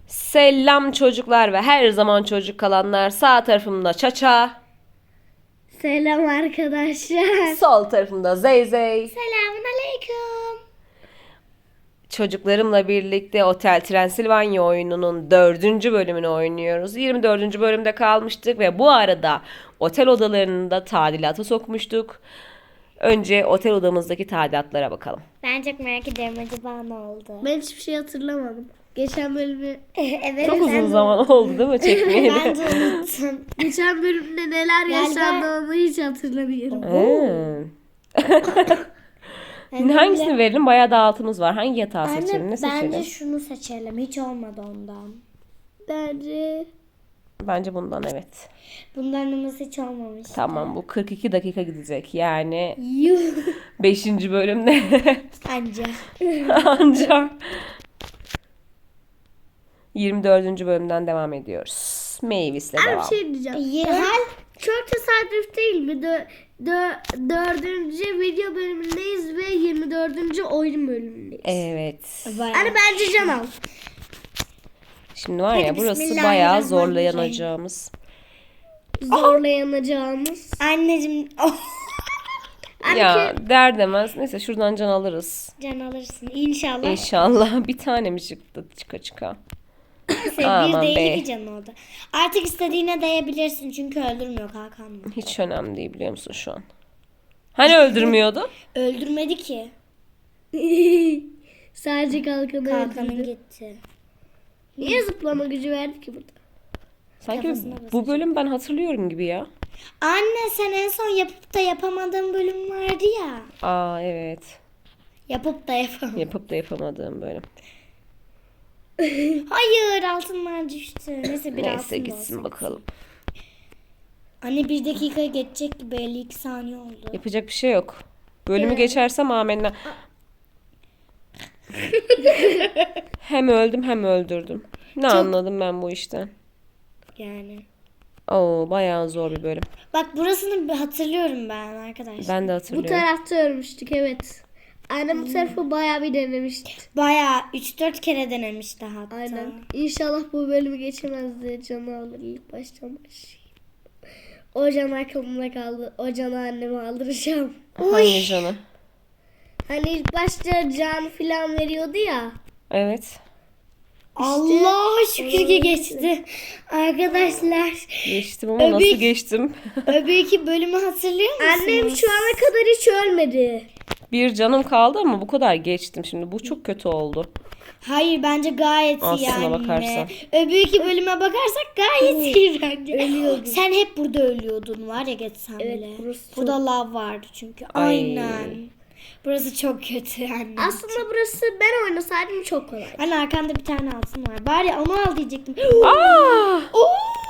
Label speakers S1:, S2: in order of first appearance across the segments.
S1: Selam çocuklar ve her zaman çocuk kalanlar. Sağ tarafımda Çaça,
S2: Selam arkadaşlar.
S1: sol tarafımda Zeyzey.
S2: Selamun aleyküm.
S1: Çocuklarımla birlikte Otel Transilvanya oyununun 4. bölümünü oynuyoruz. 24. bölümde kalmıştık ve bu arada otel odalarını da tadilata sokmuştuk. Önce otel odamızdaki tadilatlara bakalım.
S3: Ben çok merak ediyorum acaba ne oldu?
S2: Ben hiçbir şey hatırlamadım. Geçen bölümü
S3: Evet,
S1: Çok
S3: ben
S1: uzun
S3: de-
S1: zaman oldu değil mi çekmeyeli?
S3: Ben de unuttum.
S2: geçen bölümde neler
S3: Galiba-
S2: yaşandı onu hiç hatırlamıyorum.
S1: Hangisini verelim? Bayağı dağıtımız var. Hangi yatağı
S3: Anne,
S1: seçelim? Ne seçelim?
S3: bence şunu seçelim. Hiç olmadı ondan.
S2: Bence
S1: Bence bundan evet.
S3: Bundan namaz hiç olmamış.
S1: Tamam bu 42 dakika gidecek. Yani
S3: Yuh.
S1: 5. bölümde
S3: Anca.
S1: anca 24. bölümden devam ediyoruz. Mavis'le
S2: bir
S1: devam.
S2: şey diyeceğim.
S3: Hal
S2: Çok tesadüf değil mi? Dördüncü video bölümündeyiz ve 24. oyun bölümündeyiz.
S1: Evet.
S2: Hani bence can al.
S1: Şimdi var ya
S3: Hadi
S1: burası bayağı
S3: bismillahirrahmanirrahim.
S1: zorlayanacağımız.
S2: Zorlayanacağımız.
S3: anneciğim
S1: Ya der demez. Neyse şuradan can alırız.
S3: can alırsın. İnşallah.
S1: İnşallah bir tane mi çıktı çıka çıka.
S3: Neyse,
S1: Aman
S3: bir değil
S1: be.
S3: iki can oldu. Artık istediğine değebilirsin çünkü öldürmüyor Hakan mı?
S1: Hiç önemli değil biliyor musun şu an? Hani öldürmüyordu?
S3: Öldürmedi ki.
S2: Sadece kalkanı
S3: Hakan'ın
S2: öldürdü.
S3: gitti.
S2: Niye zıplama gücü verdi ki burada?
S1: Sanki
S3: Kafasına
S1: bu bölüm ben hatırlıyorum gibi ya.
S3: Anne sen en son yapıp da yapamadığın bölüm vardı ya.
S1: Aa evet.
S3: Yapıp da yapamadın.
S1: Yapıp da yapamadığım bölüm.
S3: Hayır altınlar düştü. Neyse bir
S1: Neyse
S3: altın da
S1: gitsin
S3: olsun.
S1: bakalım.
S3: Anne 1 dakika geçecek gibi 52 saniye oldu.
S1: Yapacak bir şey yok. Bölümü geçersem amenna. Hem öldüm hem öldürdüm. Ne anladım ben bu işten?
S3: Yani.
S1: Oo bayağı zor bir bölüm.
S3: Bak burasını bir hatırlıyorum ben arkadaşlar.
S1: Ben de
S2: Bu
S1: hatırlıyorum.
S2: tarafta örmüştük evet. Annem bu tarafı bayağı bir denemişti.
S3: Bayağı 3-4 kere denemişti hatta.
S2: Aynen. İnşallah bu bölümü geçemez diye canı alır ilk baştan başlayayım. O can aklımda kaldı. O canı anneme aldıracağım.
S1: Hangi canı?
S2: Hani ilk başta can filan veriyordu ya.
S1: Evet.
S3: Allah şükür ki geçti. Arkadaşlar
S1: Geçtim ama nasıl
S3: Öbek.
S1: geçtim?
S3: öbeki bölümü hatırlıyor musunuz?
S2: Annem şu ana kadar hiç ölmedi.
S1: Bir canım kaldı ama bu kadar geçtim şimdi. Bu çok kötü oldu.
S3: Hayır bence gayet iyi
S1: Aslına
S3: anne.
S1: bakarsan.
S3: Öbeki bölüme bakarsak gayet iyi bence.
S2: Ölüyordum.
S3: Sen hep burada ölüyordun var ya geçsen
S2: Evet,
S3: bile.
S2: burası
S3: Burada lav vardı çünkü.
S1: Ay.
S3: Aynen. Burası çok kötü anne.
S2: Aslında burası ben oynasaydım çok kolay.
S3: Anne arkanda bir tane altın var. Bari onu al diyecektim.
S1: Aa!
S3: Oo!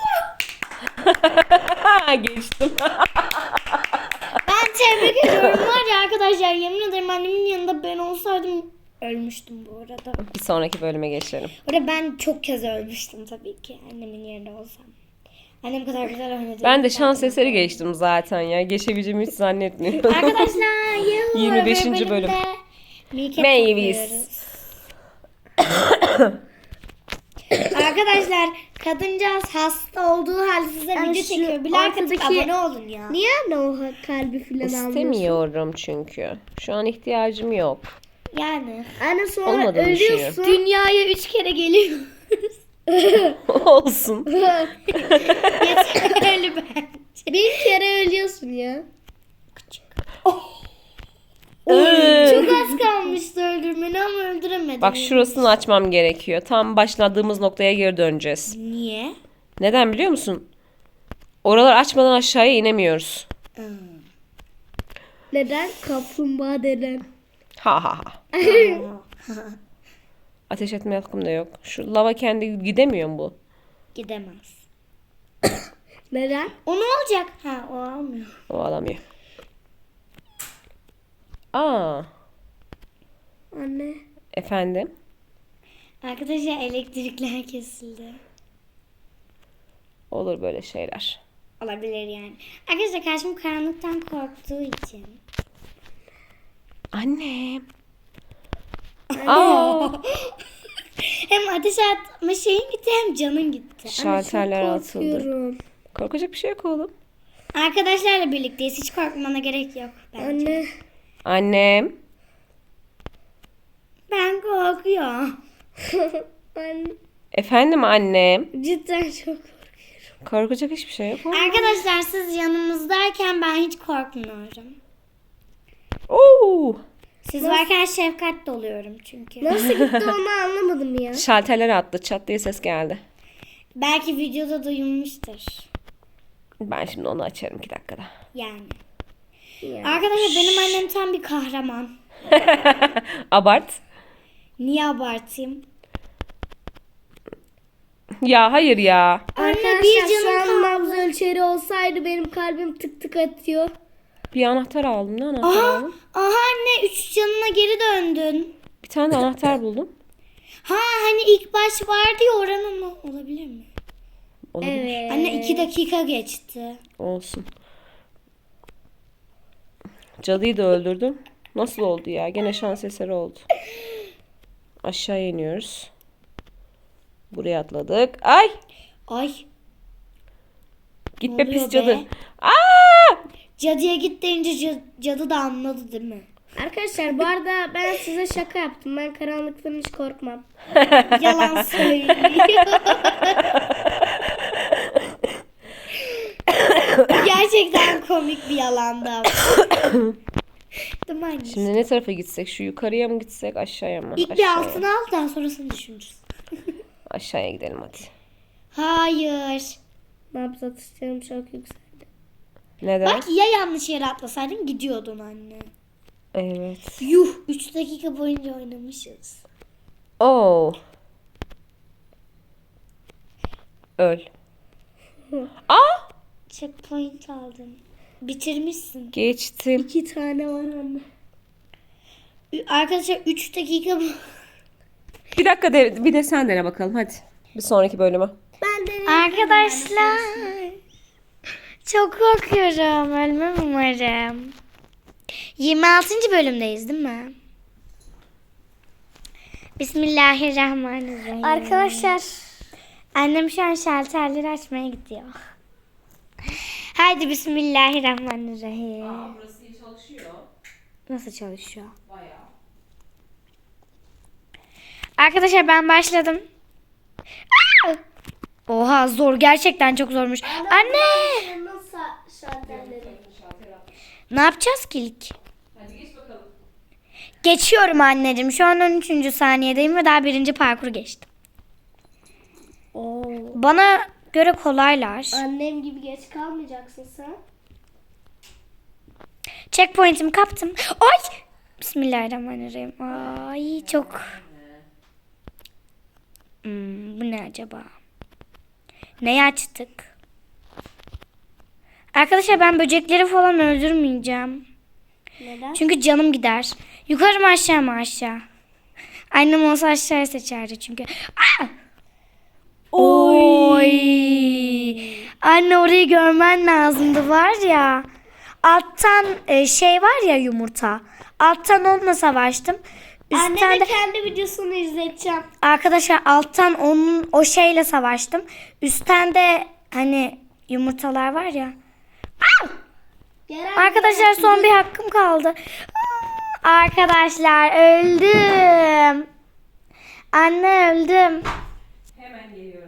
S1: Geçtim.
S3: Ben tebrik ediyorum var ya arkadaşlar. Yemin ederim annemin yanında ben olsaydım ölmüştüm bu arada.
S1: Bir sonraki bölüme geçelim.
S3: Orada ben çok kez ölmüştüm tabii ki annemin yerinde olsam. Annem kadar güzel oynadı.
S1: Ben de şans eseri geçtim zaten ya. Geçebileceğimi hiç zannetmiyorum.
S3: Arkadaşlar
S1: 25.
S3: bölümde
S1: bölüm.
S3: Milket
S1: Mavis.
S3: topluyoruz. Arkadaşlar kadıncağız hasta olduğu halde size
S2: Yani
S3: video
S2: şu
S3: çekiyor. Bir like atıp
S2: ortadaki-
S3: abone olun ya.
S2: Niye anne o kalbi filan almıyorsun?
S1: İstemiyorum çünkü. Şu an ihtiyacım yok.
S3: Yani.
S2: Anne sonra
S1: Olmadığını
S2: ölüyorsun.
S3: Dünyaya 3 kere geliyor.
S1: Olsun.
S3: Yeterli bence.
S2: Bir kere ölüyorsun ya.
S3: Çok az kalmıştı öldürmeni ama öldüremedim.
S1: Bak şurasını açmam gerekiyor. Tam başladığımız noktaya geri döneceğiz.
S3: Niye?
S1: Neden biliyor musun? Oralar açmadan aşağıya inemiyoruz.
S2: Neden? Kaplumbağa deden.
S1: Ha ha ha. Ateş etme hakkım da yok. Şu lava kendi gidemiyor mu bu?
S3: Gidemez.
S2: Neden?
S3: O ne olacak? Ha o almıyor.
S1: O alamıyor. Aa,
S2: Anne.
S1: efendim.
S3: Arkadaşlar elektrikler kesildi.
S1: Olur böyle şeyler.
S3: Olabilir yani. Arkadaşlar karşım karanlıktan korktuğu için.
S1: Annem. Aa,
S3: Hem ateş atma şeyin gitti hem canın gitti.
S1: Şalterler atıldı.
S2: Korkuyorum.
S1: Korkacak bir şey yok oğlum.
S3: Arkadaşlarla birlikteyiz. Hiç korkmana gerek yok bence.
S2: Anne.
S1: Annem.
S3: Ben korkuyorum.
S2: Anne.
S1: Efendim annem.
S2: Cidden çok korkuyorum.
S1: Korkacak hiçbir şey yok.
S3: Arkadaşlar siz yanımızdayken ben hiç korkmuyorum.
S1: Oo!
S3: Siz varken şefkatli oluyorum çünkü.
S2: Nasıl gitti onu anlamadım ya.
S1: Şalterler attı. Çat diye ses geldi.
S3: Belki videoda duyulmuştur.
S1: Ben şimdi onu açarım 2 dakikada.
S3: Yani.
S2: Ya.
S3: Arkadaşlar benim annem tam bir kahraman.
S1: Abart.
S3: Niye abartayım?
S1: Ya hayır ya.
S3: Anne
S2: Arkadaşlar
S3: bir
S2: şu
S3: canım
S2: an
S3: kaldı.
S2: nabız ölçeri olsaydı benim kalbim tık tık atıyor.
S1: Bir anahtar aldım. Ne anahtar
S3: Aha,
S1: aldım?
S3: aha anne 3 canına geri döndün.
S1: Bir tane de anahtar buldum.
S3: Ha hani ilk baş vardı ya oranın mı? Olabilir mi?
S1: Olabilir.
S2: Evet.
S3: Anne 2 dakika geçti.
S1: Olsun. Cadıyı da öldürdüm. Nasıl oldu ya? Gene şans eseri oldu. Aşağı iniyoruz. Buraya atladık. Ay!
S3: Ay
S1: Git
S3: Ne
S1: be
S3: oluyor
S1: pis cadı.
S3: be?
S1: Aa!
S3: cadıya git deyince cadı da anladı değil mi?
S2: Arkadaşlar bu arada ben size şaka yaptım. Ben karanlıktan hiç korkmam.
S3: Yalan söylüyor. Gerçekten komik bir yalandı ama. Değil mi anne?
S1: Şimdi ne tarafa gitsek? Şu yukarıya mı gitsek? Aşağıya mı?
S3: İlk bir
S1: Aşağıya.
S3: altına al daha sonrasını düşünürüz.
S1: Aşağıya gidelim hadi.
S3: Hayır.
S2: Nabız atışlarım çok yükseldi.
S1: Neden?
S3: Bak ya yanlış yere atlasaydın gidiyordun anne.
S1: Evet.
S3: Yuh 3 dakika boyunca oynamışız.
S1: Oo. Öl. Aa!
S3: Checkpoint aldın. Bitirmişsin.
S1: Geçtim.
S2: 2 tane var anne.
S3: Arkadaşlar 3 dakika
S1: Bir dakika bir de sen dene bakalım hadi. Bir sonraki bölüme.
S2: Ben de
S3: Arkadaşlar çok korkuyorum. Ölmem umarım. 26. bölümdeyiz değil mi? Bismillahirrahmanirrahim.
S2: Arkadaşlar
S3: Annem şu an şalterleri açmaya gidiyor. Haydi bismillahirrahmanirrahim.
S1: Burası çalışıyor.
S3: Nasıl çalışıyor?
S1: Bayağı.
S3: Arkadaşlar ben başladım. Aa! Oha zor gerçekten çok zormuş. Anne!
S2: nasıl şalterleri?
S3: Ne yapacağız ki ilk?
S1: Hadi geç bakalım.
S3: Geçiyorum anneciğim. Şu an 13. saniyedeyim ve daha 1. parkuru geçtim.
S2: Oo.
S3: Bana göre kolaylar.
S2: Annem gibi geç kalmayacaksın sen.
S3: Checkpoint'imi kaptım. Ay! Bismillahirrahmanirrahim. Ay çok. Bu ne acaba? Neyi açtık? Arkadaşlar ben böcekleri falan öldürmeyeceğim.
S2: Neden?
S3: Çünkü canım gider. Yukarı mı aşağı mı aşağı? Annem olsa aşağıya seçerdi çünkü. Aa! Oy! Anne orayı görmen lazımdı var ya. Alttan şey var ya yumurta. Alttan onunla savaştım. Üstten
S2: Anneme
S3: de,
S2: kendi videosunu izleteceğim.
S3: arkadaşlar alttan onun o şeyle savaştım. Üstten de hani yumurtalar var ya. Aa! Arkadaşlar son bir hakkım kaldı. Arkadaşlar öldüm. Anne öldüm.
S1: Hemen geliyorum.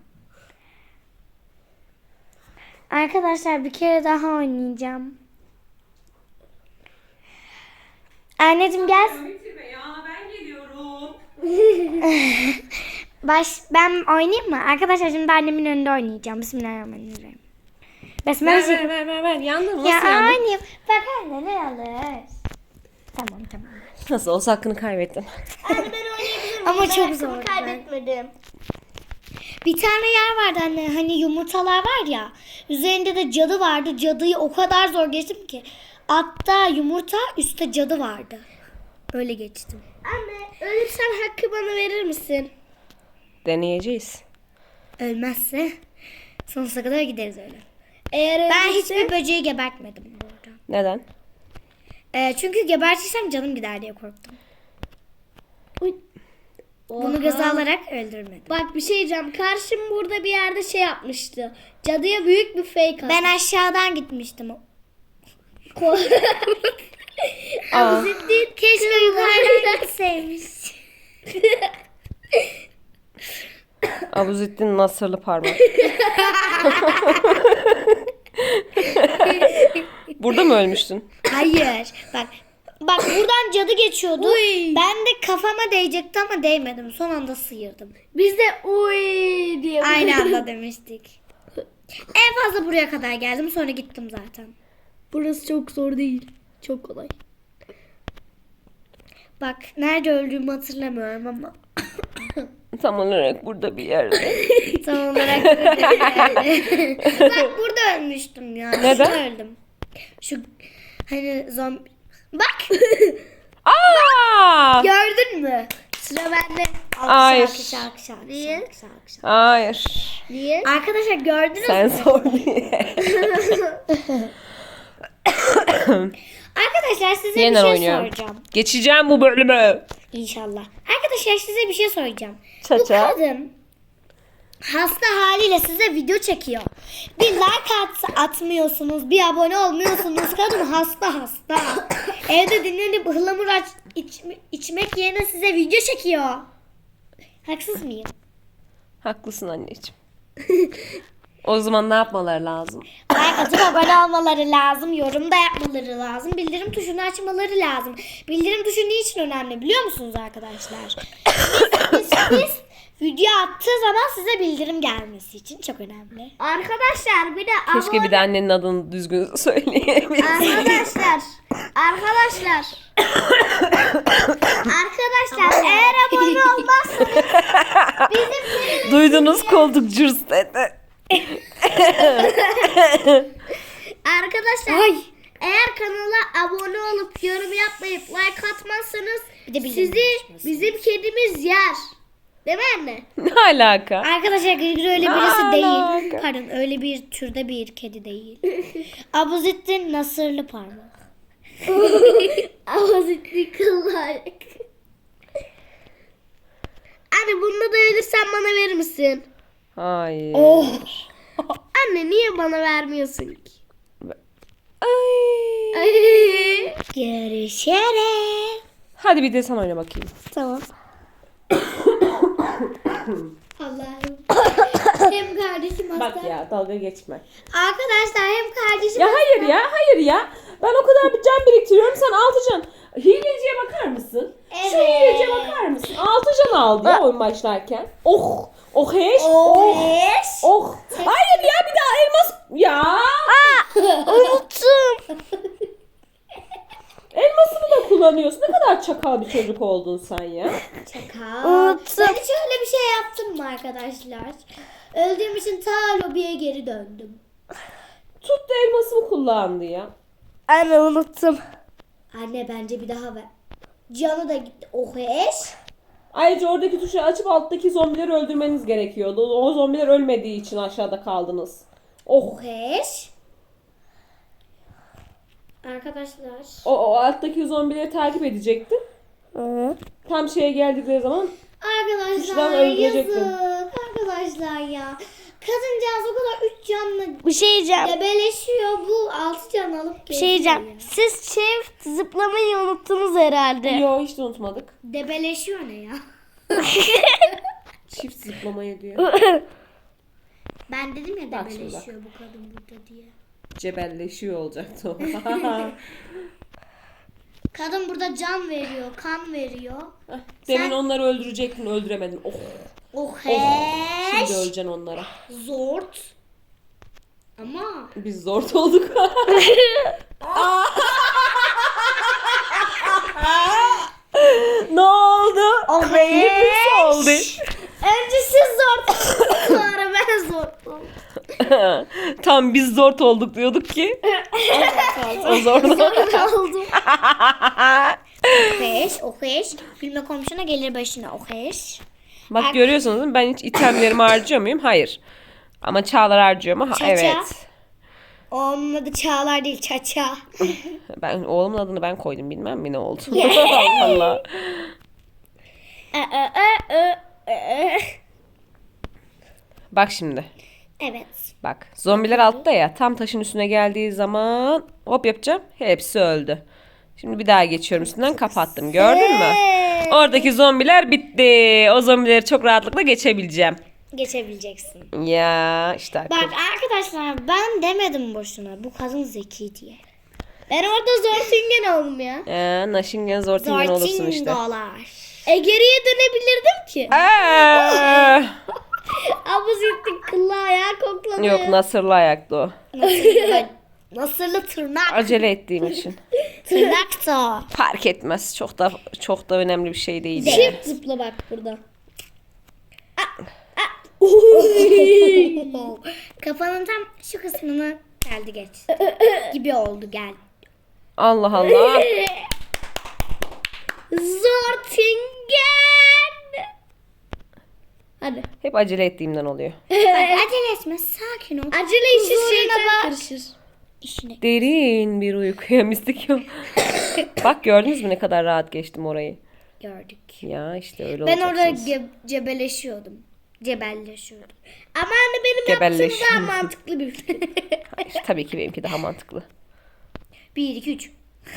S3: Arkadaşlar bir kere daha oynayacağım. Anneciğim gel.
S1: Bitirme ya ben geliyorum.
S3: Ben oynayayım mı? Arkadaşlar şimdi annemin önünde oynayacağım. Bismillahirrahmanirrahim. Besmele çek-
S1: Ver. Yandın mı?
S3: Ya
S1: Nasıl yandın?
S3: oynayayım. Bak anne ne alır. Tamam.
S1: Nasıl olsa hakkını kaybettin.
S2: Anne ben oynayabilirim.
S3: Ama
S2: Ben
S3: çok
S2: hakkımı
S3: zor.
S2: kaybetmedim.
S3: Bir tane yer vardı anne. Hani yumurtalar var ya. Üzerinde de cadı vardı. Cadıyı o kadar zor geçtim ki. Altta yumurta, üstte cadı vardı. Öyle geçtim.
S2: Anne ölürsen hakkı bana verir misin?
S1: Deneyeceğiz.
S3: Ölmezse sonsuza kadar gideriz öyle.
S2: Eğer
S3: Ben
S2: ölürse-
S3: hiçbir böceği gebertmedim bu arada.
S1: Neden?
S3: Çünkü gebertirsem canım gider diye korktum.
S2: Uy.
S3: Bunu göze alarak öldürmedim.
S2: Bak bir şey diyeceğim. Karşım burada bir yerde şey yapmıştı. Cadıya büyük bir fake attı.
S3: Ben aşağıdan gitmiştim.
S1: Aa,
S3: Keşke yukarıdan gitseymiş.
S1: Abuzettin Nasırlı parmak. Burada mı ölmüştün?
S3: Hayır. Bak buradan cadı geçiyordu.
S2: Uy.
S3: Ben de kafama değecekti ama değmedim. Son anda sıyırdım.
S2: Biz de uy diye.
S3: Aynı anda demiştik. En fazla buraya kadar geldim. Sonra gittim zaten.
S2: Burası çok zor değil. Çok kolay.
S3: Bak nerede öldüğümü hatırlamıyorum ama.
S1: Tam olarak burada bir yerde.
S3: Tam olarak burada yani. Bak burada ölmüştüm ya.
S1: Neden?
S3: Şurada öldüm. Şu hani zombi. Bak
S1: Aa!
S3: gördün mü? Sıra bende.
S1: Hayır.
S3: Alkış.
S2: Niye?
S1: Hayır.
S2: Niye?
S3: Arkadaşlar gördünüz
S1: Sen
S3: mü?
S1: sor diye.
S3: Arkadaşlar size
S1: Yeniden
S3: bir şey
S1: oynuyorum.
S3: soracağım.
S1: Geçeceğim bu bölümü.
S3: İnşallah. Arkadaşlar size bir şey soracağım. Bu
S1: Çaça.
S3: kadın hasta haliyle size video çekiyor. Bir like atmıyorsunuz, bir abone olmuyorsunuz. Kadın hasta. Evde dinlenip ıhlamur içmek yerine size video çekiyor. Haksız mıyım?
S1: Haklısın anneciğim. O zaman ne yapmaları lazım?
S3: Like atıp abone olmaları lazım, yorum da yapmaları lazım, bildirim tuşunu açmaları lazım. Bildirim tuşu niçin önemli biliyor musunuz arkadaşlar? Biz video attığı zaman size bildirim gelmesi için çok önemli.
S2: Arkadaşlar bir de
S1: Keşke bir de annenin adını düzgün söyleyebilseydim.
S2: Arkadaşlar eğer abone olmazsanız
S1: Duydunuz, koltuk cırs dedi.
S2: arkadaşlar eğer kanala abone olup yorum yapmayıp like atmazsanız
S3: Bir de bildirim
S2: sizi
S3: açması.
S2: bizim kedimiz yer. Değil mi anne?
S1: Ne alaka?
S3: Arkadaşlar Gırgır öyle birisi
S1: Alaka.
S3: değil. Pardon öyle bir türde bir kedi değil. Abuzettin Nasırlı parmak.
S2: Avazitli kıllar. Anne bununla da ölürsen bana verir misin?
S1: Hayır.
S3: Oh.
S2: Anne niye bana vermiyorsun ki?
S1: Ay.
S2: Ay.
S3: Görüşürüz.
S1: Hadi bir de sen oyna bakayım.
S3: Tamam.
S2: Allah'ım. Hem kardeşim hasta.
S1: Bak ya, dalga geçme.
S3: Arkadaşlar hem kardeşim
S1: Ya hayır ya. Ben o kadar bir can biriktiriyorum, sen 6 can. Hileciye bakar mısın? Şu
S3: Evet.
S1: hileciye bakar mısın? 6 can aldı ya oyun başlarken. Oh. Oh heş.
S3: Oheş.
S1: Oh. Hayır ya, bir daha elmas. Ya.
S2: Unuttum.
S1: Elmasını da kullanıyorsun. Ne kadar çakal bir çocuk oldun sen ya.
S3: Çakal.
S2: Unuttum.
S3: Ben hiç öyle bir şey yaptım mı arkadaşlar? Öldüğüm için ta lobiye geri döndüm.
S1: Tuttu elmasımı kullandı ya.
S2: Anne unuttum.
S3: Anne bence bir daha ver. Canı da gitti. Oheş.
S1: Ayrıca oradaki tuşu açıp alttaki zombileri öldürmeniz gerekiyordu. O zombiler ölmediği için aşağıda kaldınız. Oh.
S3: Oheş. Arkadaşlar.
S1: O alttaki zombileri takip edecektin. Tam şeye geldikleri zaman
S3: Arkadaşlar
S1: Tuştan öldürecektim.
S3: yazık. Arkadaşlar ya. Kadıncağız o kadar 3 canlı
S2: Bir şey diyeceğim.
S3: debeleşiyor. Bu 6 can alıp
S2: Bir şey diyeceğim. Siz çift zıplamayı unuttunuz herhalde.
S1: yo hiç de unutmadık.
S3: Debeleşiyor ne ya?
S1: Çift zıplamayı diyor.
S3: Ben dedim ya
S1: Bak şimdi
S3: debeleşiyor bu kadın burada diye.
S1: Cebelleşiyor olacaktı o.
S3: Kadın burada can veriyor, kan veriyor.
S1: Demin onları öldürecektin, öldüremedin. Oh.
S3: Oheş.
S1: Şimdi öleceksin onlara.
S3: Zort. Ama
S1: Biz zor olduk. Ne oldu? Hepsi oldu.
S2: Önce siz zor sonra ben zor oldum.
S1: Tam biz zor olduk diyorduk ki. O zor.
S2: oldum.
S3: oheş. Bilme komşuna gelir başına oheş.
S1: Bak görüyorsunuz değil mi? Ben hiç itemlerimi harcıyor muyum? Hayır. Ama Çağlar harcıyor mu?
S3: Çaça.
S1: Evet.
S3: Onun adı Çağlar değil Çaça.
S1: Ben oğlumun adını ben koydum, bilmem mi ne oldu. Allah Allah. Bak şimdi.
S3: Evet.
S1: Bak zombiler altta ya. Tam taşın üstüne geldiği zaman hop yapacağım. Hepsi öldü. Şimdi bir daha geçiyorum üstünden kapattım. Gördün mü? Oradaki zombiler bitti. O zombileri çok rahatlıkla geçebileceğim.
S3: Geçebileceksin.
S1: Ya işte akıl.
S3: Bak arkadaşlar ben demedim boşuna. Bu kadın zeki diye.
S2: Ben orada Zortingen oldum ya.
S1: Naşingen Zortingen olursun işte.
S3: Zortingolar.
S2: Geriye dönebilirdim ki.
S1: Aa!
S2: Ama zittik kıllı ayağı koklanıyor.
S1: Yok Nasırlı ayaklı o.
S3: Nasırlı tırnak.
S1: Acele ettiğim için.
S3: Tırnak da.
S1: Fark etmez. Çok da önemli bir şey değil. yani.
S2: Çift zıpla bak burada.
S3: Kafanın tam şu kısmını geldi geç. Gibi oldu gel.
S1: Allah Allah.
S2: Zortingen. Hadi.
S1: Hep acele ettiğimden oluyor.
S3: Bak, acele etme sakin ol.
S2: Acele işi
S3: Huzuruna
S2: şeytan
S3: bak.
S2: karışır.
S3: İşine.
S1: Derin bir uykuya mistik yok. Bak gördünüz mü ne kadar rahat geçtim orayı.
S3: Gördük.
S1: Ya işte öyle
S3: Ben orada
S1: olacaksınız.
S3: cebelleşiyordum. Cebelleşiyordum.
S2: Ama anne benim
S1: Gebelleş.
S2: yaptığım daha mantıklı bir şey.
S1: Hayır, tabii ki benimki daha mantıklı.
S3: 1, 2, 3.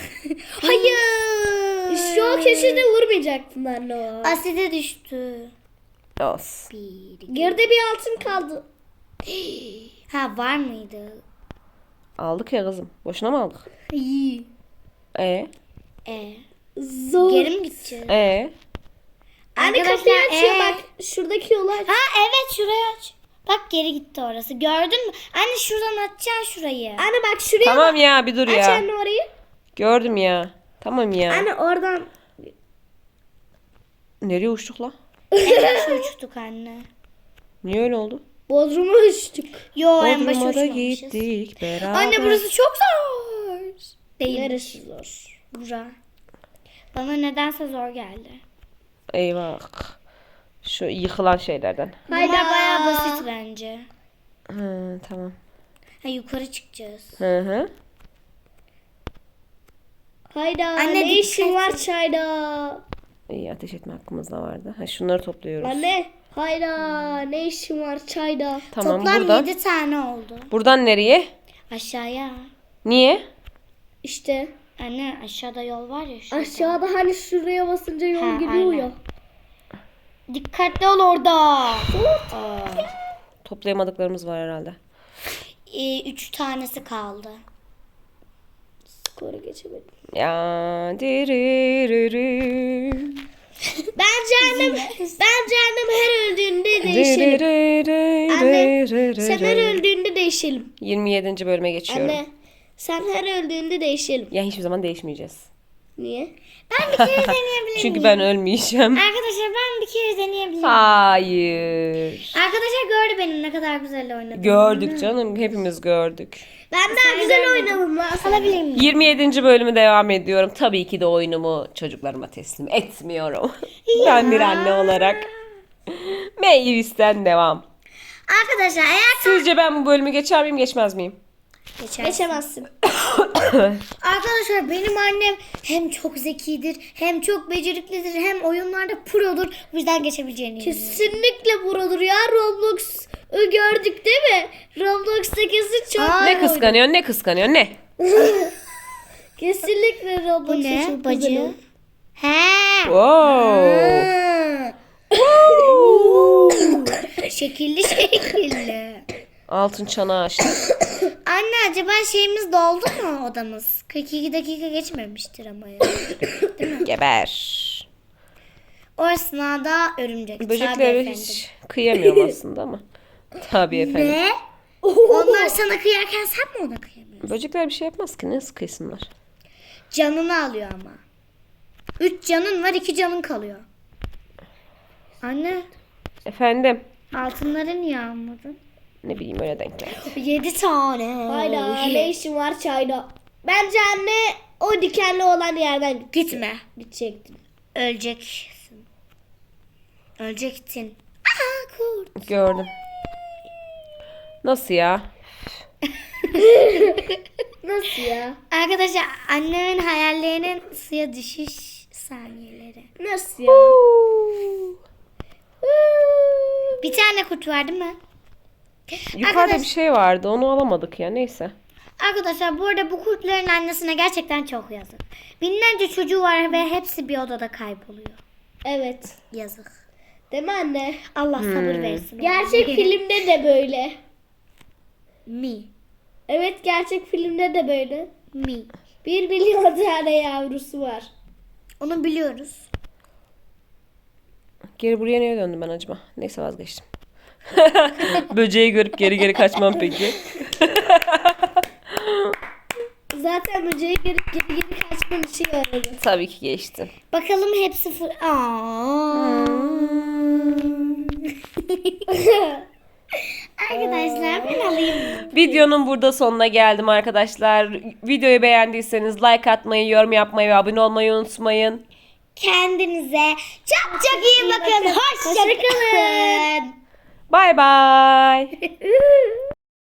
S2: Hayır. Şu o köşede vurmayacaktın anne o.
S3: Aside düştü.
S1: Olsun.
S3: 1, 2.
S2: Geride bir altın kaldı.
S3: Ha var mıydı?
S1: Aldık ya kızım. Boşuna mı aldık?
S2: İyi.
S1: E
S2: Zor.
S3: Geri mi gideceğiz?
S2: Anne kapıyı
S3: Arkadaşlar,
S2: açıyor bak. Şuradaki yolu aç.
S3: Ha evet şurayı aç. Bak geri gitti orası. Gördün mü? Anne şuradan açacaksın şurayı.
S2: Anne bak şuraya
S1: Tamam
S2: bak.
S1: ya bir dur
S2: Aç
S1: ya.
S2: anne orayı.
S1: Gördüm ya. Tamam ya.
S2: Anne oradan.
S1: Nereye uçtuk la?
S3: En başa uçtuk anne.
S1: Niye öyle oldu?
S2: Bodrum'a uçtuk.
S3: Yo en başa
S1: Bodrum'a da
S3: uçmamışız.
S1: gittik beraber.
S3: Anne burası çok zor. Değil.
S2: Neresi zor?
S3: Bura. Bana nedense zor geldi.
S1: Eyvah. Şu yıkılan şeylerden.
S2: Hayda.
S3: Bunlar bayağı basit bence.
S1: Hı, tamam.
S3: Ha yukarı çıkacağız.
S1: Hı hı.
S2: Hayda.
S3: Anne,
S2: ne işin
S3: dikkat
S2: var
S3: et.
S2: çayda?
S1: İyi ateş etme hakkımızda vardı. Ha, şunları topluyoruz.
S2: Anne. Hayda. Ne işin var çayda?
S1: Tamam
S3: Toplam
S1: buradan.
S3: 7 tane oldu.
S1: Buradan nereye?
S3: Aşağıya.
S1: Niye?
S2: İşte
S3: Anne aşağıda yol var ya şurada.
S2: aşağıda hani şuraya basınca yol
S3: Ha,
S2: gidiyor
S3: aynen.
S2: ya.
S3: Dikkatli ol orada.
S1: Toplayamadıklarımız var herhalde.
S3: 3 tanesi kaldı.
S2: Skoru geçemedim.
S1: Ya diririri.
S2: Bence annem her öldüğünde değişelim. Anne sen her öldüğünde değişelim.
S1: 27. bölüme geçiyorum.
S2: Anne sen her öldüğünde değişelim.
S1: Ya hiçbir zaman değişmeyeceğiz.
S2: Niye?
S3: Ben bir kere deneyebilir miyim?
S1: Çünkü ben ölmeyeceğim.
S3: Arkadaşlar ben bir kere deneyebilir miyim?
S1: Hayır.
S3: Arkadaşlar gördü benim ne kadar güzel oynadım.
S1: Gördük canım. Hepimiz gördük.
S2: Ben daha güzel oynadım lan.
S3: Alabilir miyim?
S1: 27. bölümü devam ediyorum. Tabii ki de oyunumu çocuklarıma teslim etmiyorum. Ben bir anne olarak. Meyvis'ten devam.
S3: Arkadaşlar eğer
S1: Sizce ben bu bölümü geçer miyim geçmez miyim?
S2: Geçemezsin.
S3: Arkadaşlar benim annem hem çok zekidir, hem çok beceriklidir, hem oyunlarda produr. Bu yüzden geçebileceğini eminim.
S2: Kesinlikle buradır ya. Roblox'u gördük değil mi? Roblox'ta kesin çok
S1: Ne kıskanıyorsun ne kıskanıyorsun ne?
S2: Kesinlikle
S3: Bu
S2: Roblox'ta
S3: ne?
S2: çok
S3: Bacı.
S2: güzel.
S3: He. Şekilli şekilli.
S1: Altın çanağı açtı.
S3: Anne acaba şeyimiz doldu mu odamız? 42 dakika geçmemiştir ama ya.
S1: Geber.
S3: O esnada örümcek. Tabii
S1: Böceklere
S3: efendim.
S1: hiç kıyamıyorum aslında ama. Tabii efendim.
S3: Ne? Onlar sana kıyarken sen mi ona kıyamıyorsun?
S1: Böcekler bir şey yapmaz ki. Nasıl kıysınlar?
S3: Canını alıyor ama. 3 canın var 2 canın kalıyor. Anne
S1: Efendim.
S3: altınları niye almadın?
S1: Ne bileyim öyle denk geldi.
S3: 7 tane.
S2: Hayda ne işin var çayda? Bence anne o dikenli olan yerden
S3: Gitme.
S2: gidecektin.
S3: Öleceksin. Ölecektin. Aha kurt.
S1: Gördüm. Nasıl ya?
S2: Nasıl ya?
S3: Arkadaşlar annemin hayallerinin suya düşüş saniyeleri.
S2: Nasıl ya?
S3: Bir tane kurt var değil mi?
S1: Yukarıda
S3: Arkadaş-
S1: bir şey vardı. Onu alamadık ya. Neyse.
S3: Arkadaşlar bu arada bu kurtların annesine gerçekten çok yazık. Binlerce çocuğu var ve hepsi bir odada kayboluyor.
S2: Evet.
S3: Yazık.
S2: Değil mi anne?
S3: Allah sabır versin.
S2: Gerçek filmde de böyle.
S3: Mi.
S2: Evet, gerçek filmde de böyle.
S3: Mi.
S2: 1 milyon tane yavrusu var.
S3: Onu biliyoruz.
S1: Geri buraya niye döndüm ben acaba? Neyse vazgeçtim. Böceği görüp geri geri kaçmam peki.
S2: Zaten böceği geri kaçmam için aradı.
S1: Tabii ki geçtim.
S3: Bakalım hepsi Arkadaşlar ben alayım.
S1: Videonun burada sonuna geldim arkadaşlar. Videoyu beğendiyseniz like atmayı, yorum yapmayı ve abone olmayı unutmayın.
S3: Kendinize çok çok iyi bakın. Hoşça kalın.
S1: Bay bay.